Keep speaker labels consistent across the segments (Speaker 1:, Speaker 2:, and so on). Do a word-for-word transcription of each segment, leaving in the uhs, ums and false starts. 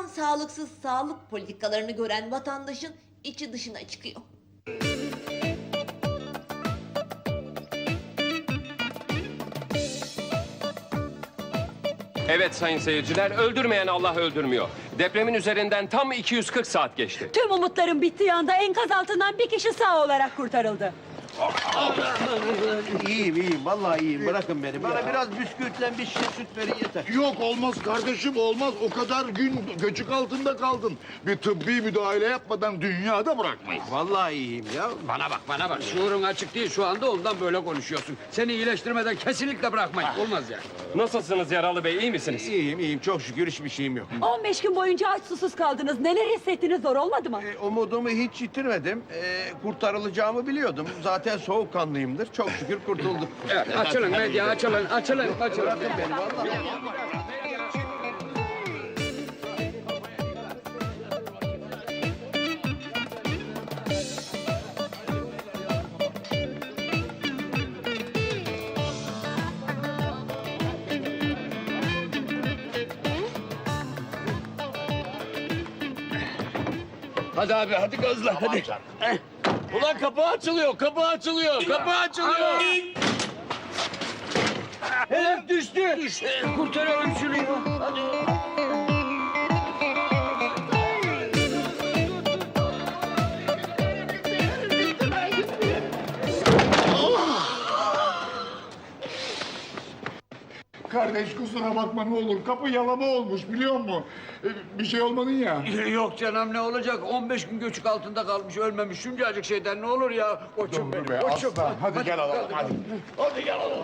Speaker 1: sağlıksız sağlık politikalarını gören vatandaşın içi dışına çıkıyor.
Speaker 2: Evet sayın seyirciler, öldürmeyen Allah öldürmüyor. Depremin üzerinden tam iki yüz kırk saat geçti.
Speaker 3: Tüm umutların bittiği anda enkaz altından bir kişi sağ olarak kurtarıldı.
Speaker 4: İyiyim iyiyim vallahi iyiyim bırakın beni. Bana biraz bisküvitle bir şey süt verin yeter.
Speaker 5: Yok olmaz kardeşim olmaz. O kadar gün göçük altında kaldın. Bir tıbbi müdahale yapmadan dünyada bırakmayız.
Speaker 4: Vallahi iyiyim ya.
Speaker 6: Bana bak, bana bak. Şuurun açık değil şu anda, ondan böyle konuşuyorsun. Seni iyileştirmeden kesinlikle bırakmayın. Olmaz yani.
Speaker 2: Nasılsınız Yaralı Bey, iyi misiniz?
Speaker 4: İyiyim iyiyim çok şükür hiçbir şeyim yok.
Speaker 3: on beş gün boyunca aç susuz kaldınız. Neler hissettiniz, zor olmadı mı?
Speaker 4: E, umudumu hiç yitirmedim. E, kurtarılacağımı biliyordum. Zaten soğukkanlıyımdır. Çok şükür kurtuldum.
Speaker 6: Evet, açılın medya, açılın, açılın, açılın.
Speaker 4: Bırakın beni vallahi.
Speaker 6: Hadi abi, hadi gazla, hadi.
Speaker 5: Ulan kapı açılıyor, kapı açılıyor, kapı açılıyor.
Speaker 6: Hedef düştü. Kurtaralım şunu ya. Hadi.
Speaker 5: Kardeş kusura bakma ne olur. Kapı yalama olmuş biliyor musun? Ee, Bir şey olmadın ya.
Speaker 6: Yok canım, ne olacak? on beş gün göçük altında kalmış, ölmemiş. Şuncacık şeyden ne olur ya? Koçum benim,
Speaker 5: Be
Speaker 6: koçum.
Speaker 5: aslan. Hadi gel alalım hadi. Hadi gel alalım.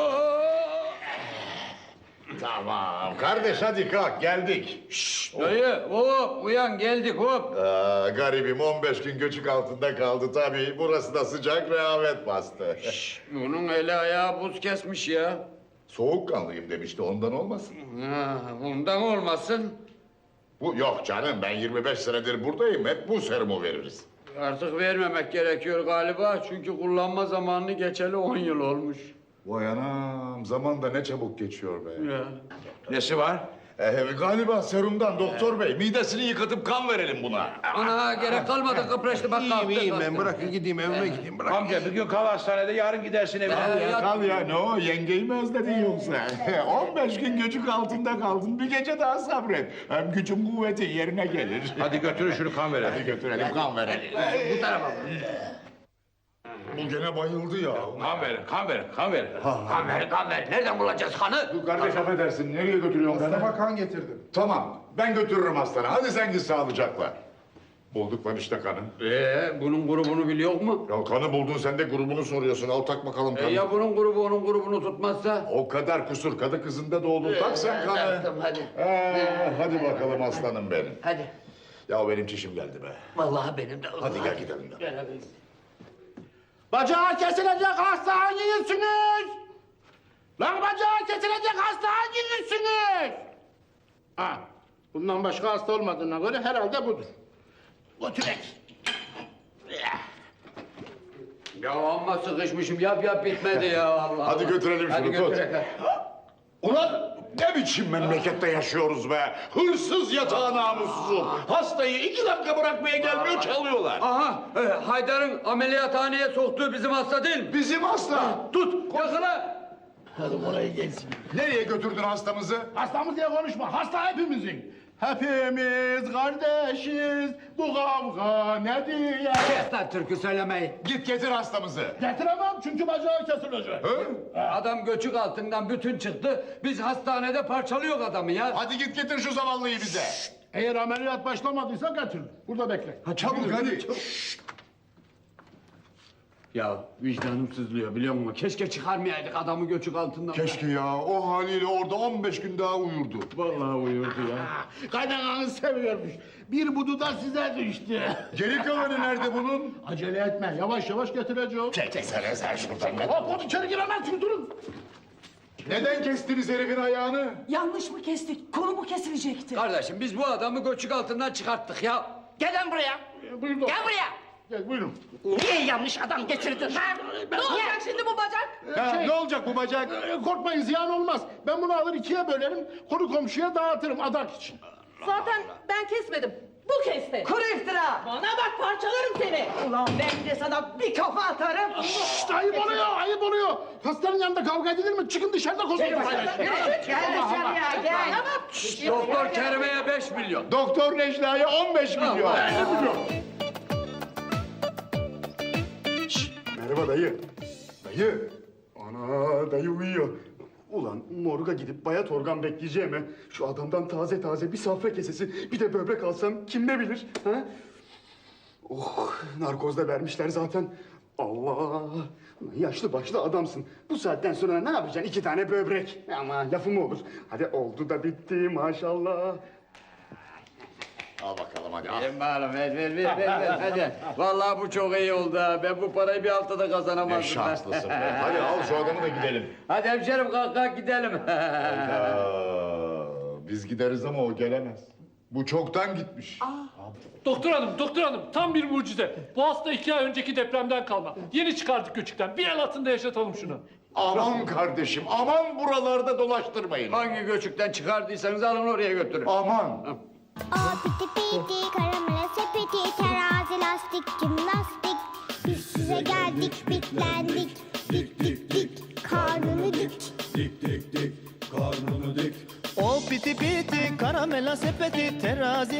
Speaker 5: Tamam kardeş hadi kalk geldik.
Speaker 6: Dayı, hop, uyan, geldik, hop.
Speaker 5: Aa, garibim on beş gün göçük altında kaldı tabii. Burası da sıcak rehavet bastı.
Speaker 6: Bunun eli ayağı buz kesmiş ya.
Speaker 5: Soğukkanlıyım demişti ondan olmasın.
Speaker 6: Ha, bundan olmasın.
Speaker 5: Bu yok canım ben yirmi beş senedir buradayım. Hep bu serumu veririz.
Speaker 6: Artık vermemek gerekiyor galiba. Çünkü kullanma zamanını geçeli on yıl olmuş.
Speaker 5: Vay anam zaman da ne çabuk geçiyor be.
Speaker 6: Ya.
Speaker 4: Nesi var?
Speaker 5: Ee, galiba serumdan doktor bey. Midesini yıkatıp kan verelim buna.
Speaker 6: Ana gerek kalmadı, kıpraştı bak.
Speaker 4: İyiyim
Speaker 6: kalktı,
Speaker 4: iyiyim ben
Speaker 6: kalktı.
Speaker 4: bırakın gideyim evime gideyim bırakın.
Speaker 7: Amca bir gün kal hastanede, yarın gidersin evine.
Speaker 6: Ya, ya,
Speaker 5: Kal ya ne o yengeyi mi özledin yoksa? on beş gün göçük altında kaldın. Bir gece daha sabret. Hem gücün kuvveti yerine gelir.
Speaker 7: Hadi götürün şunu, kan verelim.
Speaker 5: Hadi götürelim kan verelim.
Speaker 6: Bu tarafa.
Speaker 5: Bu gene bayıldı ya.
Speaker 7: Kan verin, kan verin, kan verin.
Speaker 6: Kan ver, kan ver. Nereden bulacağız kanı?
Speaker 5: Kardeş affedersin nereye götürüyorsun beni? Hastama kan getirdim. Tamam ben götürürüm hastana. Hadi sen git sağlıcakla. Bulduk lan işte kanı.
Speaker 6: Ee, bunun grubunu biliyor mu?
Speaker 5: Ya kanı buldun sen de grubunu soruyorsun. Al tak bakalım
Speaker 6: E,
Speaker 5: kanı.
Speaker 6: ya bunun grubu onun grubunu tutmazsa?
Speaker 5: O kadar kusur kadı kızında da olur. Tak sen kanı.
Speaker 6: Taktım, hadi.
Speaker 5: Ee, hadi bakalım aslanım benim.
Speaker 6: Hadi.
Speaker 5: Ya benim çişim geldi be.
Speaker 6: Vallahi benim de.
Speaker 5: Hadi gel gidelim.
Speaker 6: Gel hadi.
Speaker 8: Bacağı kesilecek hasta hangisiniz? Lan bacağı kesilecek hasta hangisiniz? Ha, bundan başka hasta olmadığına göre herhalde budur. Götürek.
Speaker 6: Ya amma sıkışmışım, yap yap bitmedi ya Allah.
Speaker 5: Hadi
Speaker 6: Allah.
Speaker 5: götürelim şunu,
Speaker 6: Hadi
Speaker 5: tut.
Speaker 6: götürek.
Speaker 5: Ulan ne biçim memlekette yaşıyoruz be? Hırsız yatağı namussuzum. Hastayı iki dakika bırakmaya gelmiyor çalıyorlar.
Speaker 6: Aha, e, Haydar'ın ameliyathaneye soktuğu bizim hasta değil mi?
Speaker 5: Bizim hasta.
Speaker 6: Tut, yakala.
Speaker 8: Hadi oraya gelsin.
Speaker 5: Nereye götürdün hastamızı?
Speaker 8: Hastamız diye konuşma, hasta hepimizin. Hepimiz kardeşiz, bu kavga ne diye?
Speaker 6: Kes lan türkü söylemeyi.
Speaker 5: Git getir hastamızı.
Speaker 8: Getiremem çünkü bacağı kesilecek.
Speaker 5: Hı?
Speaker 6: Adam göçük altından bütün çıktı. Biz hastanede parçalıyor adamı ya.
Speaker 5: Hadi git getir şu zavallıyı bize.
Speaker 8: Eğer ameliyat başlamadıysa getir. Burada bekle.
Speaker 5: Çabuk hadi.
Speaker 6: Ya vicdanım sızlıyor biliyor musun? Keşke çıkarmayaydık adamı göçük altından.
Speaker 5: Keşke ya o haliyle orada on beş gün daha uyurdu.
Speaker 6: Vallahi uyurdu ya.
Speaker 8: Kaynananı seviyormuş. Bir budu da size düştü.
Speaker 5: Geri kalanı nerede bunun?
Speaker 8: Acele etme, yavaş yavaş getireceğim.
Speaker 5: Çekilsene sen şuradan.
Speaker 8: Hop hop içeri giremezsin, durun.
Speaker 5: Neden kestiniz herifin ayağını?
Speaker 3: Yanlış mı kestik? Kolu mu kesilecekti?
Speaker 6: Kardeşim biz bu adamı göçük altından çıkarttık ya.
Speaker 9: Gel lan buraya.
Speaker 8: Ee, buyurun.
Speaker 9: Gel buraya.
Speaker 8: Gel, buyurun.
Speaker 9: Niye yanlış adam getirdin ha?
Speaker 3: Ne olacak şimdi bu bacak?
Speaker 5: Ha,
Speaker 8: Şey-
Speaker 5: ne olacak bu bacak?
Speaker 8: Ee, korkmayın, ziyan olmaz. Ben bunu alır ikiye bölerim, konu komşuya dağıtırım adak için.
Speaker 10: Zaten ben kesmedim. Bu kesti.
Speaker 9: Kuru iftira.
Speaker 10: Bana bak parçalarım seni.
Speaker 9: Ulan ben de sana bir kafa atarım.
Speaker 8: Şşt, ayıp oluyor, ayıp oluyor. Hastanın yanında kavga edilir mi? Çıkın dışarıda konuşun.
Speaker 9: Gel dışarıya gel.
Speaker 6: Doktor Kerime'ye beş milyon.
Speaker 5: Doktor Necla'ya on beş milyon.
Speaker 8: Şşt, merhaba dayı. Dayı. Ana dayı uyuyor. Ulan morga gidip bayat organ bekleyeceğime şu adamdan taze taze bir safra kesesi bir de böbrek alsam kim ne bilir? Ha? Oh, narkoz da vermişler zaten. Allah! Yaşlı başlı adamsın. Bu saatten sonra ne yapacaksın? İki tane böbrek. Ama lafı mı olur? Hadi oldu da bitti maşallah.
Speaker 5: Al bakalım hadi.
Speaker 6: Verin bakalım ver ver ver ver ver hadi. Vallahi bu çok iyi oldu ha. Ben bu parayı bir haftada
Speaker 5: Ne
Speaker 6: kazanamazdım.
Speaker 5: şanslısın be. Hadi al şu adamı da gidelim.
Speaker 6: Hadi hemşerim kalk kalk gidelim.
Speaker 5: Aa, biz gideriz ama o gelemez. Bu çoktan gitmiş.
Speaker 11: Doktor hanım, doktor hanım tam bir mucize. Bu hasta iki ay önceki depremden kalma. Yeni çıkardık göçükten. Bir el altında yaşatalım şunu.
Speaker 5: Aman kardeşim, aman buralarda dolaştırmayın.
Speaker 6: Hangi göçükten çıkardıysanız alın oraya götürün.
Speaker 5: Aman.
Speaker 12: O piti piti karamele sepeti terazi lastik jimnastik. Biz size geldik bitlendik. Dik dik dik karnını dik.
Speaker 8: Dik dik dik karnını dik.
Speaker 13: O piti piti karamela sepeti terazi